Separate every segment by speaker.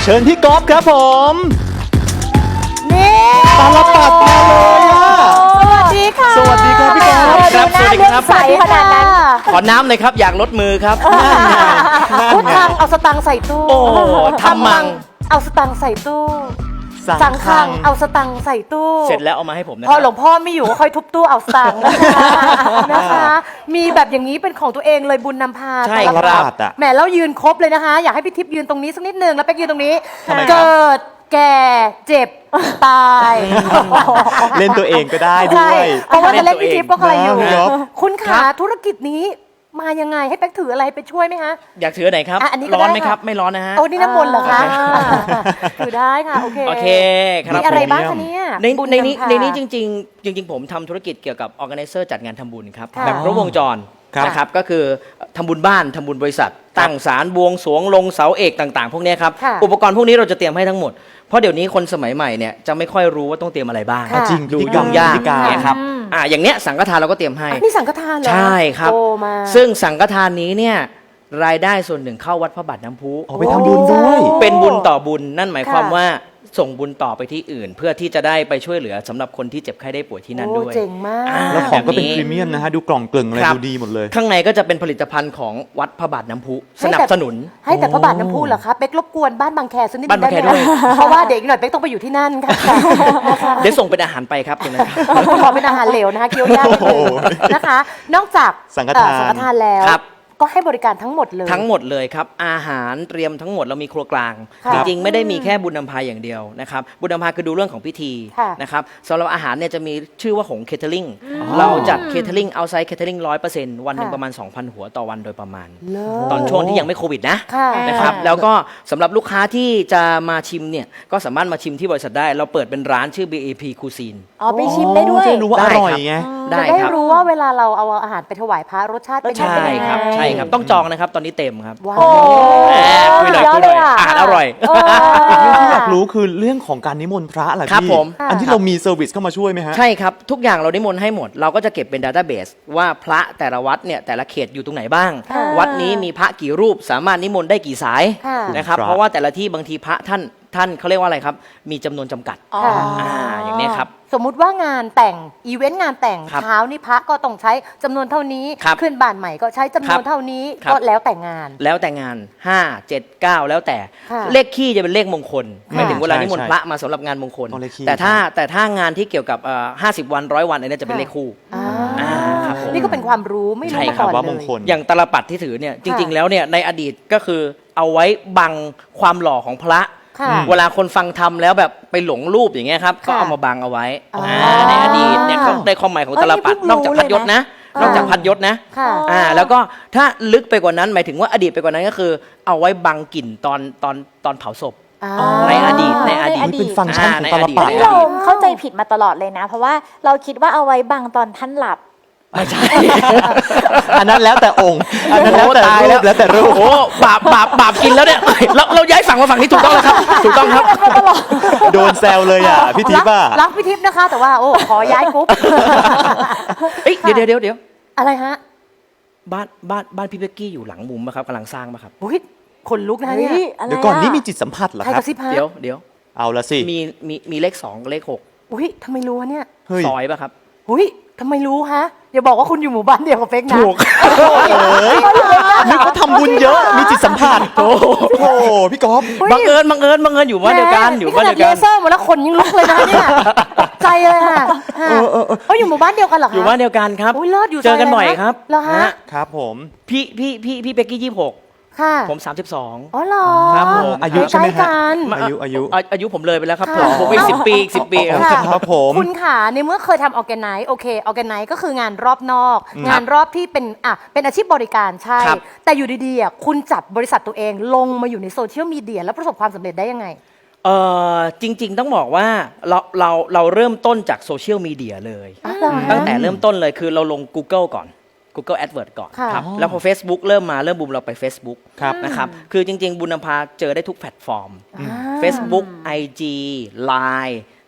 Speaker 1: เชิญพี่ก๊อฟครับผม
Speaker 2: นี่
Speaker 1: ตาลปัดมาเลยอ่ะ
Speaker 2: สวัสดีค่ะ
Speaker 1: สวัสดีครับพี่ก๊อฟ
Speaker 3: ครับสวัสดีครับ
Speaker 2: ใสขนาดนั้น
Speaker 3: ขอน้ำเลยครับอยากลดมือครับ
Speaker 2: พุทธังเอาสตังค์ใส่ตู้
Speaker 3: โอ้ทำมัง
Speaker 2: เอาสตังค์ใส่ตู้สังฆังเอาสตังค์ใส่ตู้
Speaker 3: เสร็จแล้วเอามาให้ผมนะ
Speaker 2: พอหลวงพ่อไม่อยู่ก็ค่อยทุบตู้เอาสตังค์นะคะ มีแบบอย่างนี้เป็นของตัวเองเลยบุญนำพา
Speaker 3: ใช่
Speaker 1: ตาล
Speaker 3: ครับ
Speaker 1: ปัดอ่ะ
Speaker 2: แหมแล้วยืนครบเลยนะคะ อยากให้พี่ทิพย์ยืนตรงนี้สักนิดนึงแล้วเป๊กยืนตรงนี้
Speaker 1: ทำไมครับ
Speaker 2: เกิดแก่เจ็บตาย
Speaker 1: เล่นตัวเองก็ได้ด้
Speaker 2: ใช่
Speaker 1: วย
Speaker 2: เพราะว่าจะเล่นพี่ทิพย์ก็ใครอยู่
Speaker 1: ได้ครับ
Speaker 2: คุณขาธุรกิจนี้มายังไงให้เป๊กถืออะไรไปช่วยไหมคะ
Speaker 3: อยากถือไหนครับ
Speaker 2: อ่ะอันนี้ก็
Speaker 3: ร้อนไหม
Speaker 2: ได้ค่ะ
Speaker 3: ครับไม่ร้อนนะฮะ
Speaker 2: โอ้นี่น้ำมนต์เหรอคะ
Speaker 3: โอเค
Speaker 2: ถือได้ค่ะ โอเค
Speaker 3: โอเคครับ
Speaker 2: มีอะไร
Speaker 1: ผม
Speaker 2: บ้างคะเนี่ย
Speaker 3: ใน
Speaker 2: บุญ
Speaker 3: ในนี้
Speaker 2: ำพา
Speaker 3: ในนี้จริง ๆ ผมทำธุรกิจเกี่ยวกับ organizer จัดงานทำบุญครับ
Speaker 2: ค่ะ
Speaker 3: แบบครบวงจร
Speaker 1: ครับ
Speaker 3: นะครับก็คือทำบุญบ้านทำบุญบริษัท ตั้งศาลบวงสรวงลงเสาเอกต่างๆ พวกเนี้ยครับ
Speaker 2: ค่ะ
Speaker 3: อุปกรณ์พวกนี้เราจะเตรียมให้ทั้งหมด เพราะเดี๋ยวนี้คนสมัยใหม่เนี่ยจะไม่ค่อยรู้ว่าต้องเตรียมอะไรบ้าง
Speaker 2: ค่ะ
Speaker 1: จริง
Speaker 3: ดู
Speaker 1: พิธีกรร
Speaker 3: ยุ่
Speaker 1: ม
Speaker 3: งยาก
Speaker 1: พิธีการ
Speaker 3: เนี่ยครับอย่างเนี้ยสังฆทานเราก็เตรียมให้
Speaker 2: อ่ะนี่สังฆทานเหรอ
Speaker 3: ใช่ครับ
Speaker 2: โตมา
Speaker 3: ซึ่งสังฆทานนี้เนี่ยรายได้ส่วนหนึ่งเข้าวัดพระบาทน้ำพุ
Speaker 1: เอาไปทำบุญด้วย
Speaker 3: เป็นบุญต่อบุญนั่นหมายความ
Speaker 2: ค่ะ
Speaker 3: ว่าส่งบุญต่อไปที่อื่น เพื่อที่จะได้ไปช่วยเหลือสำหรับคนที่เจ็บไข้ได้ป่วยที่นั่น
Speaker 2: โอ้
Speaker 3: ด้วย
Speaker 2: เจ๋งมาก
Speaker 1: แล้วของก็เป็น
Speaker 3: แบบนี้
Speaker 1: พรีเมียมนะฮะ ดูกล่องกลึงอะไร
Speaker 3: ครับ
Speaker 1: ดูดีหมดเลย
Speaker 3: ข้างในก็จะเป็นผลิตภัณฑ์ของวัดพระบาทน้ำพุส
Speaker 2: ให้แต่
Speaker 3: นับสนุน
Speaker 2: ให้แต่พระบาทน้ำพุเหรอคะเป๊กรบกวนบ้านบางแคสักนิดนึง
Speaker 3: บ้านบางแค
Speaker 2: ได้ไหม
Speaker 3: ด้วย
Speaker 2: เพราะว่าเด็กหน่อยเป๊กต้องไปอยู่ที่นั่นค่ะ
Speaker 3: เดี๋ยวส่งเป็นอาหารไปครับตรงนั้นครับ
Speaker 2: ขอเป็นอาหารเหลวนะคะเกี๊ยวยากนิดนึง
Speaker 1: โอ้โห
Speaker 2: นะคะ นอกจาก
Speaker 1: สังฆทาน
Speaker 2: สังฆทานแล้ว
Speaker 3: ครับ
Speaker 2: ก็ให้บริการทั้งหมดเลย
Speaker 3: ทั้งหมดเลยครับอาหารเตรียมทั้งหมดเรามีครัวกลาง
Speaker 2: ครับ
Speaker 3: จริงๆ ไม่ได้มีแค่บุญนำพาอย่างเดียวนะครับบุญนำพาคือดูเรื่องของพิธี
Speaker 2: ค่ะ
Speaker 3: นะครับสำหรับอาหารเนี่ยจะมีชื่อว่าหงเคเทอริงเราจัดเคเทอริงเอาไซด์เคเทอริง100%วันหนึ่ง
Speaker 2: ค่ะ
Speaker 3: ประมาณ 2,000 หัวต่อวันโดยประมาณ
Speaker 2: เลิศ
Speaker 3: ตอนช่วงที่ยังไม่โควิดนะ
Speaker 2: ค่ะ
Speaker 3: นะครับแล้วก็สำหรับลูกค้าที่จะมาชิมเนี่ยก็สามารถมาชิมที่บริษัทได้ เราเปิดเป็นร้านชื่อ BAP Cuisine
Speaker 4: อ๋อไปชิมได้ด้วย
Speaker 1: จะรู้ว่าอร่อยไง
Speaker 3: ได้
Speaker 2: จะได้
Speaker 3: ครับ
Speaker 2: รู้ว่าเวลาเราเอาอาหารไปถวายพระรสชาติเป็นยัง
Speaker 3: ใช่
Speaker 2: ไง
Speaker 3: ครับใช่ครับต้องจองนะครับตอนนี้เต็มครับ
Speaker 2: ว้า
Speaker 4: โอ้
Speaker 2: ว
Speaker 3: แหมคุยหน่อย
Speaker 4: ยอ
Speaker 3: คุ
Speaker 4: ด
Speaker 3: ยหน่อย
Speaker 4: เลยอะ
Speaker 3: อาหารอร่อย
Speaker 1: อีกเรื่องที่อยากรู้คือเรื่องของการนิมนต์พระเหรอ
Speaker 3: ครับ
Speaker 1: พี่
Speaker 3: ผม
Speaker 1: อันที่เรามีเซอร์วิสเข้ามาช่วยไหมฮะ
Speaker 3: ใช่ครับ ทุกอย่างเรานิมนต์ให้หมด เราก็จะเก็บเป็นดัต a b เบสว่าพระแต่ละวัดเนี่ยแต่ละเขตอยู่ตรงไหนบ้าง
Speaker 2: ค่ะ
Speaker 3: วัดนี้มีพระกี่รูปสามารถนิมนต์ได้กี่สาย
Speaker 2: ค่ะ
Speaker 3: นะครับ
Speaker 1: ครับ
Speaker 3: เพราะว่าแต่ละที่บางทีพระท่านเขาเรียกว่าอะไรครับ มีจำนวนจำกัด
Speaker 2: ค่ะ
Speaker 3: อย่างนี้ยครับ
Speaker 2: สมมุติว่างานแต่งอีเวนต์งานแต่ง
Speaker 3: ครับ
Speaker 2: เช้านี่พระก็ต้องใช้จำนวนเท่านี้
Speaker 3: ครับ
Speaker 2: ขึ้นบ้านใหม่ก็ใช้จำนวน
Speaker 3: ครับ
Speaker 2: เท่านี้
Speaker 3: ครับ
Speaker 2: ก็แล้วแต่งาน
Speaker 3: แล้วแต่งาน 5 7 9 แล้วแต่
Speaker 2: ค่ะ
Speaker 3: เลขคี่จะเป็นเลขมงคลหมายถึงเวลา
Speaker 1: ใช่
Speaker 3: นิมนต์
Speaker 1: ใช่
Speaker 3: พระมาสำหรับงานมงคล
Speaker 1: ต้องเลขคี่
Speaker 3: แต่ถ้างานที่เกี่ยวกับ50 วัน100 วันอันนี้จะเป็นเลขคู่
Speaker 2: อ่า
Speaker 3: ครับผม
Speaker 2: นี่ก็เป็นความรู้ไม่รู้
Speaker 3: ใช่
Speaker 2: มา
Speaker 3: ครั
Speaker 2: ก่
Speaker 3: บ
Speaker 2: อน
Speaker 1: ว่า
Speaker 2: เล
Speaker 1: มง
Speaker 2: ย
Speaker 1: คล
Speaker 3: อย่างตลปัดที่ถือเนี่ยจริง ๆ แล้วเนี่ยในอดีตก็คือเอาไว้บังความหล่อของพระ
Speaker 2: ค่ะ
Speaker 3: เวลาคนฟังทำแล้วแบบไปหลงรูปอย่างเงี้ยครับ
Speaker 2: ค่ะ
Speaker 3: ก็เอามาบังเอาไว้
Speaker 2: อ๋อ
Speaker 3: ในอดีตเนี่ยเขาได้ความหมายของตลปัด
Speaker 4: เอ้ยนี่
Speaker 3: นอกจาก
Speaker 4: เพิ่
Speaker 3: พัด
Speaker 4: งรู้
Speaker 3: ยศนะ
Speaker 2: เลยนะ
Speaker 3: นอกจากพัดยศนะ
Speaker 2: ค่ะ
Speaker 3: แล้วก็ถ้าลึกไปกว่านั้นหมายถึงว่าอดีตไปกว่านั้นก็คือ เอาไว้บังกลิ่นตอนเผาศพ
Speaker 2: อ่า
Speaker 3: ในอดีตในอดีต
Speaker 1: นี่เป็นฟังก์ชันของตลปัด
Speaker 3: ในอดีต
Speaker 4: เราเข้าใจผิดมาตลอดเลยนะ เพราะว่าเราคิดว่าเอาไว้บังตอนท่านหลับ
Speaker 3: ไม่ใช่
Speaker 1: อันนั้นแล้วแต่องค์ อันนั้นแล้วแต่
Speaker 3: ตาย
Speaker 1: รูปแล้วแต่รูป
Speaker 3: โอ้บาปกินแล้วเนี่ยเราย้ายฝั่งมาฝั่งนี้ถูกต้องแล้วครับถูกต้องครับ
Speaker 1: โดนแซวเลยอ่ะพี่ทิพย์อ่ะ
Speaker 2: รักพี่ทิพย์นะคะ แต่ว่าโอ้ขอย้ายกรุ๊ป
Speaker 3: เอ้ยเดี๋ยว
Speaker 2: อะไรฮะ
Speaker 3: บ้านพี่เบกกี้อยู่หลังมุมป่ะครับกำลังสร้างป่ะครับ
Speaker 2: อุ้ยขนลุกนะ
Speaker 4: เฮ้
Speaker 2: เนี่ย
Speaker 4: ยอะไร
Speaker 1: เดี๋ยวก่อน
Speaker 4: อะ
Speaker 1: นี่มีจิตสัมผัสเหรอ
Speaker 2: ใคร
Speaker 1: ค
Speaker 2: ก
Speaker 1: รับ
Speaker 2: ระซิบฮะ
Speaker 3: เดี๋ยว
Speaker 1: เอาละสิ
Speaker 3: มีเลข2เลข
Speaker 2: อุ้ยทำไมรู้วะเนี่ย
Speaker 1: เฮ้ย
Speaker 3: 6ซอยป่ะครับ
Speaker 2: อุ้ยทำไมรู้ฮะอย่าบอกว่าคุณอยู่หมู่บ้านเดียวกับเป๊กนะ
Speaker 3: ถูก
Speaker 1: เอ้ยนึกว่าทำบุญเยอะ มีจิตสัมผัสโอ้โหพี่ก๊อฟ
Speaker 2: ฮ้ย
Speaker 3: บังเอิญอยู่บ้านเดียวกันอยู่บ้านเดียว
Speaker 2: แหม
Speaker 3: กัน
Speaker 2: เลเซอร์หมดแล้วขนยังลุกเลยนะเนี่ยตกใจเลยค่ะเขาอยู่หมู่บ้านเดียวกันเหรอคะ
Speaker 3: อยู่บ้านเดียวกันครับ
Speaker 2: อุ้ยเลิศอยู่
Speaker 3: เจอกัน
Speaker 2: ซ
Speaker 3: บ่อย
Speaker 2: ะไะ
Speaker 3: ครับ
Speaker 2: เหรอฮะ
Speaker 1: ครับผม
Speaker 3: พี่เบกกี้26
Speaker 2: ค่ะ
Speaker 3: ผม
Speaker 2: อ๋อเหรอ
Speaker 3: ครับผม
Speaker 1: อายุใช่ไหม
Speaker 2: ใกล้
Speaker 1: ฮะ
Speaker 2: กัน
Speaker 3: อายุผมเลยไปแล้วครับ
Speaker 2: ค่ะ
Speaker 3: ผมอีก10 ปีอีก10 ปีครับ
Speaker 2: ค่ะ
Speaker 1: ครับผม
Speaker 2: คุณค่ะในเมื่อเคยทำออแกไนซ์โอเคออแกไนซ์ก็คืองานรอบนอก งานรอบที่เป็นอาชีพบริการใช่
Speaker 3: ครับ
Speaker 2: แต่อยู่ดีๆคุณจับบริษัทตัวเองลงมาอยู่ในโซเชียลมีเดียแล้วประสบความสำเร็จได้ยังไง
Speaker 3: จริง ๆ ต้องบอกว่าเราเริ่มต้นจากโซเชียลมีเดียเลย ตั้งแต่เริ่มต้นเลยคือเราลง Google ก่อน Google AdWords ก่อน
Speaker 2: ค่ะ
Speaker 3: ครับแล้วพอ Facebook เริ่มบูมเราไป Facebook
Speaker 1: ครับ
Speaker 3: นะครับคือจริง ๆ บุญนำพาเจอได้ทุกแพลตฟอร์ม Facebook IG Line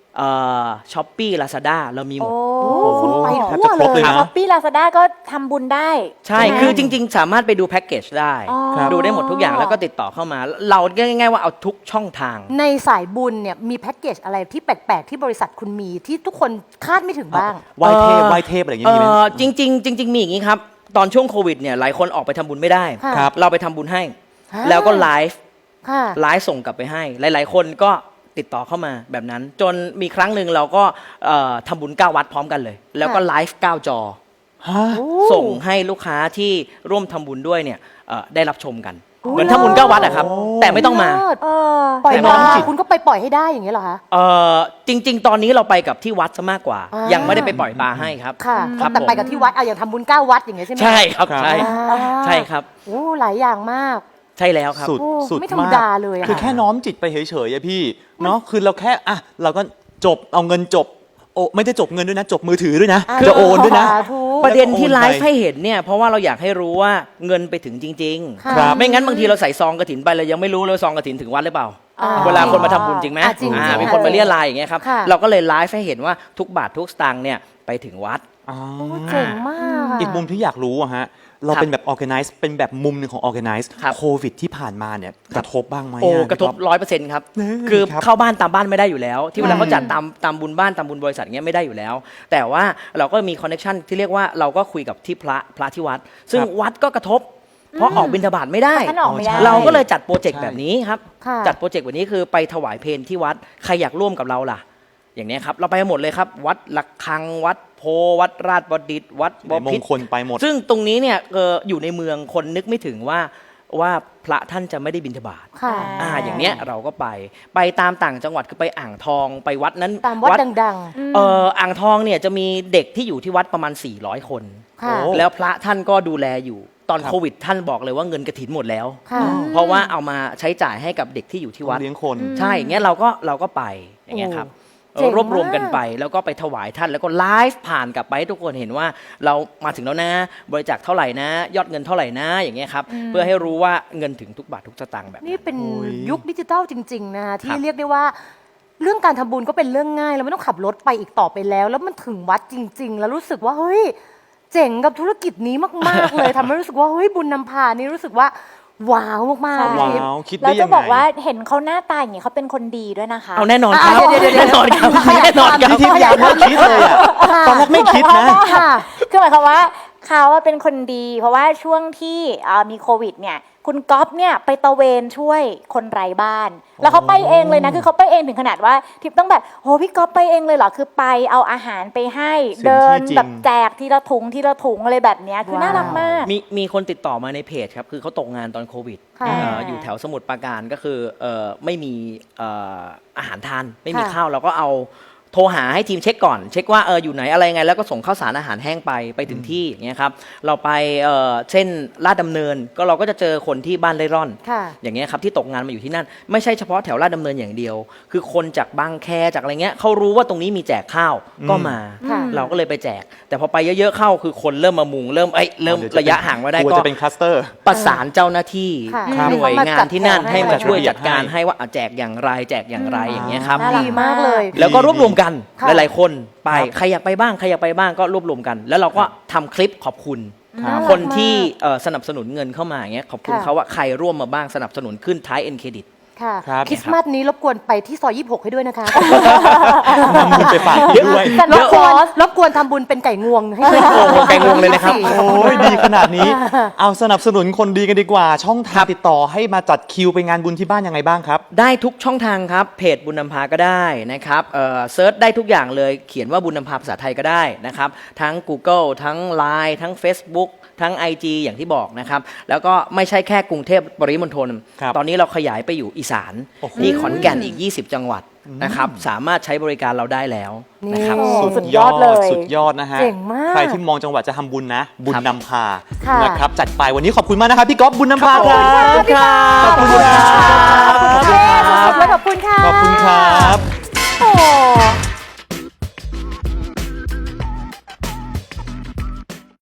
Speaker 3: ช้อปปี้ลาซาด้าเรามีหมด
Speaker 2: โอ้คุณไป
Speaker 1: แทบ
Speaker 2: ทั่
Speaker 1: จะ
Speaker 2: ว
Speaker 1: ครบ
Speaker 2: เล
Speaker 1: เลย ยนะ
Speaker 4: ช้อปปี้ลาซาด้าก็ทำบุญได้
Speaker 3: ใช่
Speaker 4: ไหม
Speaker 3: คือจริง ๆ สามารถไปดูแพ็กเกจได้
Speaker 4: อ๋อ
Speaker 1: ครับ
Speaker 3: ดูได้หมดทุกอย่างแล้วก็ติดต่อเข้ามา เราง่ายๆว่าเอาทุกช่องทาง
Speaker 2: ในสายบุญเนี่ยมีแพ็กเกจอะไรที่แปลกๆที่บริษัทคุณมีที่ทุกคนคาดไม่ถึงบ้าง
Speaker 1: ไหว้เทพไหว้เทพอะไรอย่างงี้มีไหม
Speaker 3: จริงๆมีอย่างนี้ครับ ตอนช่วงโควิดเนี่ยหลายคนออกไปทำบุญไม่ได้
Speaker 2: ค่ะ
Speaker 1: ครับ
Speaker 3: เราไปทำบุญให้
Speaker 2: อ่า
Speaker 3: แล้วก็ไลฟ์
Speaker 2: ค่ะ
Speaker 3: ไลฟ์ส่งกลับไปให้ หลายๆ คนก็ติดต่อเข้ามาแบบนั้น จนมีครั้งหนึ่งเราก็ทำบุญ9 วัดพร้อมกันเลย แล้วก็ไลฟ์9 จอ
Speaker 1: ฮะ
Speaker 3: ส่งให้ลูกค้าที่ร่วมทำบุญด้วยเนี่ยได้รับชมกัน
Speaker 2: โอ้
Speaker 3: เหมือนทำบุญ9 วัดอะครับ แต่ไม่ต้องมา
Speaker 2: เลิศ
Speaker 4: เออ
Speaker 2: ปล่อย
Speaker 1: แต่
Speaker 2: ป
Speaker 1: น้
Speaker 2: ลา
Speaker 1: องจิต
Speaker 2: คุณก็ไปปล่อยให้ได้อย่างนี้ยเหรอคะ
Speaker 3: จริง ๆ ตอนนี้เราไปกับที่วัดซะมากกว่า
Speaker 2: อ่ายั
Speaker 3: ยังไม่ได้ไปปล่อยปลาให้ครับ
Speaker 2: ค่ะ
Speaker 3: ครับ
Speaker 2: แต่ไป
Speaker 3: ผม
Speaker 2: กับที่วัดเอาอย่างทำบุญ9 วัดอย่างเงี้ยใช่ไหม
Speaker 3: ใช่ครับ
Speaker 1: ครับ
Speaker 3: ใช่
Speaker 2: อ่า
Speaker 3: ใช่ครับ
Speaker 2: โอ้หลายอย่างมาก
Speaker 3: ใช่แล้วครับ
Speaker 1: สุด
Speaker 2: โอ้
Speaker 1: สุด
Speaker 2: ไม่ธรรม
Speaker 1: มาก
Speaker 2: ดาเลยอะ
Speaker 1: คือแค่น้อมจิตไปเฉยๆอะพี่เนาะคือเราแค่อ่ะเราก็จบเอาเงินจบโอ้ไม่ได้จบเงินด้วยนะ จบมือถือด้วยนะ
Speaker 2: อ่า
Speaker 1: จะโอนด้วยนะ
Speaker 2: สาธุ
Speaker 3: ประเด็นที่
Speaker 1: แล้วก็โอนไป
Speaker 3: ไลฟ์ให้เห็นเนี่ยเพราะว่าเราอยากให้รู้ว่าเงินไปถึงจริง
Speaker 2: ค่ะ
Speaker 1: ครับ
Speaker 3: ไม่งั้นบางทีเราใส่ซองกระถินไปเรายังไม่รู้เลยว่าซองกระถินถึงวัดหรือเปล่า
Speaker 2: อ่า
Speaker 3: เวลาคนมาทำบุญจริงไหม
Speaker 2: จริงๆ
Speaker 3: มีคนมาเรียรายอย่างเงี้ยครับ
Speaker 2: ค่ะ
Speaker 3: เราก็เลยไลฟ์ให้เห็นว่าทุกบาททุกสตางค์เนี่ยไปถึงวัด
Speaker 1: อ๋อ
Speaker 2: โอ้เจ๋งมากะ
Speaker 1: อีกมุมที่อยากรู้อะฮะ เรา
Speaker 3: ครับ
Speaker 1: เป็นแบบ organize เป็นแบบมุมหนึ่งของ organize
Speaker 3: ครับ
Speaker 1: โควิดที่ผ่านมาเนี่ยกระทบบ้างไหม
Speaker 3: โอ้
Speaker 1: อะ
Speaker 3: กระทบ
Speaker 1: พี่ก๊อฟ
Speaker 3: 100%ครับ
Speaker 1: นี่
Speaker 3: คือ
Speaker 1: ครับ
Speaker 3: เข้าบ้านตามบ้านไม่ได้อยู่แล้ว ที่เวลาเขาจัดตามบุญบ้านตามบุญบริษัทเงี้ยไม่ได้อยู่แล้ว แต่ว่าเราก็มีคอนเนคชันที่เรียกว่าเราก็คุยกับที่พระที่วัด ซึ่ง
Speaker 1: ครับ
Speaker 3: วัดก็กระทบ เพราะออกบิณฑบาตไม่ได้
Speaker 4: ท่านออกไม่ได้
Speaker 3: เราก็เลยจัดโปรเจกต์
Speaker 1: ใช่
Speaker 3: แบบนี้ครับ
Speaker 2: ค่ะ
Speaker 3: จัดโปรเจกต์แบบนี้คือไปถวายเพลที่วัดใครอยากร่วมกับเราล่ะ อย่างเนี้ยครับเราไปหมดเลยครับ วัดละคังวัดโพวัดราชบดิตถ์วัดบ
Speaker 1: ในม
Speaker 3: พิ
Speaker 1: ง
Speaker 3: ตร
Speaker 1: คลไปหมด
Speaker 3: ซึ่งตรงนี้เนี่ยอยู่ในเมืองคนนึกไม่ถึงว่าพระท่านจะไม่ได้บิณฑบาต
Speaker 2: ค่ะ
Speaker 3: อย่างเนี้ยเราก็ไปตามต่างจังหวัดคือไปอ่างทองไปวัดนั้น
Speaker 2: ตามวัดดัง
Speaker 3: อ่างทองเนี่ยจะมีเด็กที่อยู่ที่วัดประมาณ 400 คน
Speaker 2: ๆ ค่ะ
Speaker 1: โอ้
Speaker 3: แล้วพระท่านก็ดูแลอยู่ ตอน
Speaker 1: ครับ
Speaker 3: โควิดท่านบอกเลยว่าเงินกฐินหมดแล้ว
Speaker 2: ค่ะ
Speaker 3: เพราะว่าเอามาใช้จ่ายให้กับเด็กที่อยู่ที่วัด
Speaker 1: เลี้ยงคน
Speaker 3: ใช่อย่างเงี้ยเราก็ไปอย่างเงี้ยครับ
Speaker 2: โอ้เจ๋งมาก
Speaker 3: รวบรวมกันไปแล้วก็ไปถวายท่านแล้วก็ไลฟ์ผ่านกลับไปให้ทุกคนเห็นว่าเรามาถึงแล้วนะบริจาคเท่าไหร่นะ ยอดเงินเท่าไหร่นะอย่างเงี้ยครับเพื่อให้รู้ว่าเงินถึงทุกบาททุกสตางค์แบบ
Speaker 2: นี่เป็น
Speaker 1: โอ้ย
Speaker 2: ยุคดิจิทัลจริง ๆ นะคะที่
Speaker 3: ครับ
Speaker 2: เรียกได้ว่า เรื่องการทำบุญก็เป็นเรื่องง่าย แล้วไม่ต้องขับรถไปอีกต่อไปแล้ว แล้วมันถึงวัดจริง ๆ แล้วรู้สึกว่าเฮ้ยเจ๋งกับธุรกิจนี้มาก ๆ เลย ทำให้รู้สึกว่าเฮ้ยบุญนำพานี่รู้สึกว่าว้าวมากๆ
Speaker 1: ว้
Speaker 2: พี่
Speaker 1: าวคิด
Speaker 4: เรา
Speaker 1: ได้ยั
Speaker 4: จะ
Speaker 1: งไง
Speaker 4: บอกว่าเห็นเขาหน้าตาอย่างนี้เขาเป็นคนดีด้วยนะคะ
Speaker 3: เอาแน่นอนครับ
Speaker 2: เดี๋ยวๆๆ
Speaker 3: แน่นอนครับแน่นอนครับ
Speaker 1: พี่ทิพย์ยังไม่คิดเลยอะตอนแรกไม่คิดนะ
Speaker 2: ค่ะ
Speaker 4: คือหมายความว่าเขาว่าเป็นคนดี เพราะว่าช่วงที่มีโควิดเนี่ยคุณก๊อฟเนี่ยไปตระเวนช่วยคนไร้บ้าน แล้วเขาไปเองเลยนะคือเขาไปเองถึงขนาดว่าทิพย์ต้องแบบโหพี่ก๊อฟไปเองเลยเหรอคือไปเอาอาหารไปให้
Speaker 1: สิ่งที่
Speaker 4: เดิน
Speaker 1: จริง
Speaker 4: แบบแจกทีละถุงทีละถุงอะไรแบบเนี้ยคือน่ารักมาก
Speaker 3: มีคนติดต่อมาในเพจครับคือเขาตกงานตอนโควิด
Speaker 2: ค่ะ
Speaker 3: อยู่แถวสมุทรปราการก็คือไม่มีอาหารทานไม่มี
Speaker 2: ค่ะ
Speaker 3: ข้าวเราก็เอาโทรหาให้ทีมเช็คก่อน เช็คว่าอยู่ไหนอะไรไงแล้วก็ส่งข้าวสารอาหารแห้งไปถึงที่อย่างเงี้ยครับเราไปเช่นลาดดำเนินก็เราก็จะเจอคนที่บ้านเร่ร่อน
Speaker 2: ค่ะ
Speaker 3: อย่างเงี้ยครับที่ตกงานมาอยู่ที่นั่น ไม่ใช่เฉพาะแถวลาดดำเนินอย่างเดียว คือคนจากบางแคจากอะไรเงี้ยเขารู้ว่าตรงนี้มีแจกข้าวก็มา
Speaker 2: ค่ะ
Speaker 3: เราก็เลยไปแจก แต่พอไปเยอะๆเข้าคือคนเริ่มมามุงเริ่มระยะห่างไม่ได้
Speaker 1: กลัว
Speaker 3: ก็
Speaker 1: จะเป็นคลัสเตอร์
Speaker 3: ประสานเจ้าหน้าที่
Speaker 2: ค่ะ
Speaker 3: หน่วยงานที่นั่น
Speaker 2: ให้
Speaker 3: ให้
Speaker 2: มา
Speaker 3: มาช่วย
Speaker 2: จั
Speaker 3: จั
Speaker 2: ด
Speaker 3: ด
Speaker 2: กา
Speaker 3: การ รให้ว่าแจกอย่างไรแจกอย่างไรอย่างเงี้ยครับ
Speaker 4: น่ารัก
Speaker 2: ดีมากเลย
Speaker 3: แล้วก็รวบรวมกัน
Speaker 2: ค่ะ
Speaker 3: หลายๆคนไป
Speaker 1: ครับ
Speaker 3: ใครอยากไปบ้างใครอยากไปบ้างก็รวบรวมกัน แล้วเราก็ทำคลิปขอบคุณ
Speaker 2: น่ารัก
Speaker 3: คนที่
Speaker 2: มาก
Speaker 3: สนับสนุนเงินเข้ามาอย่างเงี้ยขอบคุณ
Speaker 2: ค่ะ
Speaker 3: เขาว่าใครร่วมมาบ้างสนับสนุนขึ้นท้ายเอ็นเครดิต
Speaker 2: ค่ะ
Speaker 1: ครับ
Speaker 2: คริสต์มาสนี้รบกวนไปที่ซอย 26 ให้ด้วยนะคะ
Speaker 1: นำบุญไปฝากด้วย
Speaker 2: รบกวนทำบุญเป็นไก่งวงให้ด้วย
Speaker 3: โอ้โหไก่งวงเลยนะครับ
Speaker 1: โอ้ยดีขนาดนี้ เอาสนับสนุนคนดีกันดีกว่า ช่องทางติดต่อให้มาจัดคิวไปงานบุญที่บ้านยังไงบ้างครับ
Speaker 3: ได้ทุกช่องทางครับ เพจบุญนำพาก็ได้นะครับเซิร์ชได้ทุกอย่างเลยเขียนว่าบุญนำพาภาษาไทยก็ได้นะครับ ทั้ง Google ทั้ง Line ทั้ง Facebook ทั้ง IG อย่างที่บอกนะครับ แล้วก็ไม่ใช่แค่กรุงเทพปริมณฑล
Speaker 1: ครับ
Speaker 3: ตอนนี้เราขยายไปอยู่อีสาน
Speaker 1: โอ้โห
Speaker 3: ที่ขอนแก่นอีก 20 จังหวัดนะครับ สามารถใช้บริการเราได้แล้วนะครับ
Speaker 2: นี่
Speaker 4: สุดยอดเลย
Speaker 1: สุดยอดนะฮะ
Speaker 2: เจ๋งมาก
Speaker 1: ใครที่มองจังหวัดจะทำบุญนะ บุญ
Speaker 3: ครับ
Speaker 1: นำพา
Speaker 2: ค่ะ
Speaker 1: นะครับ จัดไปวันนี้ขอบคุณมากนะครับ พี่ก๊อฟบุญนำพาครับ
Speaker 3: ขอบคุณครับ
Speaker 1: ขอบคุณครับ
Speaker 2: ขอบคุณค่ะ
Speaker 1: ขอบคุณครับ
Speaker 2: โอ้